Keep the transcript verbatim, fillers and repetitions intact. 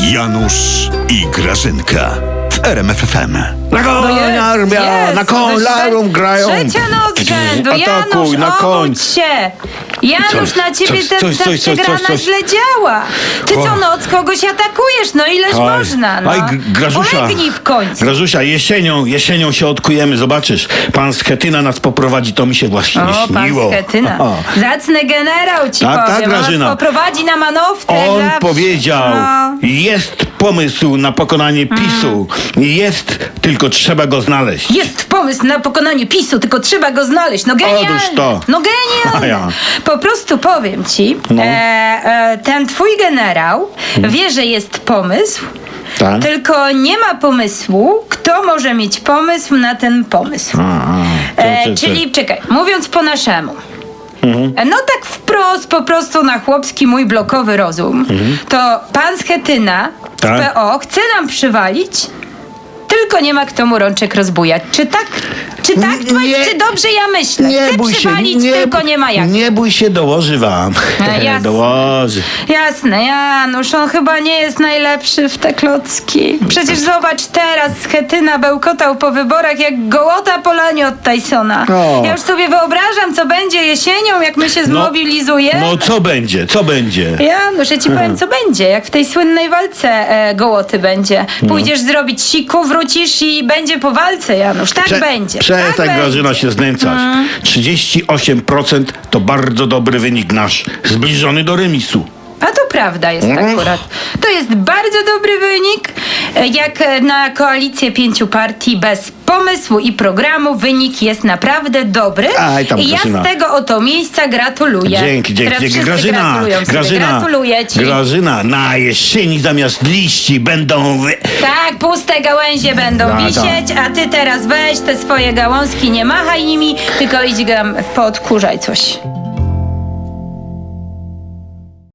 Janusz i Grażynka w R M F F M. Na konia, arbia, na koń, larum grają. Trzecia noc rzędu. Atakuj, Janusz, na koń. obudź się. Janusz, Coś, na ciebie coś, ta, coś, ta coś, coś, przegrana coś, coś. źle działa. Ty co O. noc kogoś atakujesz, no ileż Oj, można, no. oj, G- Grażusia. Ulegnij w końcu. Grażusia, jesienią, jesienią się odkujemy, zobaczysz. Pan Schetyna nas poprowadzi, to mi się właśnie O, pan śniło. Schetyna. O. Zacny generał ci Tak, tak, powiem. On nas Grażyna. poprowadzi na manowce. jak On zawsze. powiedział, No. jest pomysł na pokonanie PiSu. Jest, tylko trzeba go znaleźć. Jest pomysł na pokonanie PiSu, tylko trzeba go znaleźć. No genialny. Otóż to. No genialny. A ja. Po prostu powiem ci, No. e, e, ten twój generał wie, że jest pomysł, Tak? tylko nie ma pomysłu, kto może mieć pomysł na ten pomysł. A, a, E, to, to, to. czyli czekaj, mówiąc po naszemu. E, No tak wprost, po prostu na chłopski mój blokowy rozum, to pan Schetyna z Tak. P O chce nam przywalić, tylko nie ma kto mu rączek rozbujać. Czy tak? Czy tak? Nie- czy dobrze ja myślę? Nie Chce bój się, przywalić, nie, tylko nie ma jak. Nie bój się, dołoży wam. No, jasne. Dołoży. Jasne, Janusz, on chyba nie jest najlepszy w te klocki. Przecież zobacz teraz, Schetyna bełkotał po wyborach jak gołota po lanie od Tysona. O. Ja już sobie wyobrażam, co będzie jesienią, jak my się zmobilizujemy. No co będzie, co będzie? Janusz, ja ci powiem, co będzie, jak w tej słynnej walce e, gołoty będzie. No. Pójdziesz zrobić siku, wrócisz i będzie po walce, Janusz. Tak Prze- będzie. Przestań, tak Grażyna, będzie. się znęcać. trzydzieści osiem procent to bardzo dobry wynik nasz. Zbliżony do remisu. A to prawda jest Mhm. akurat. To jest bardzo dobry wynik. E, Jak e, na koalicję pięciu partii bez pomysłu i programu wynik jest naprawdę dobry. Aj, tam, I ja Grażyna. z tego oto miejsca gratuluję. Dzięki, dzięki, Teraz dzięki. wszyscy Grażyna, gratulują sobie. Grażyna, Gratuluję ci. Grażyna, na jesieni zamiast liści będą wy... Tak, puste gałęzie będą Tak, wisieć, a ty teraz weź te swoje gałązki, nie machaj nimi, tylko idź tam poodkurzaj coś.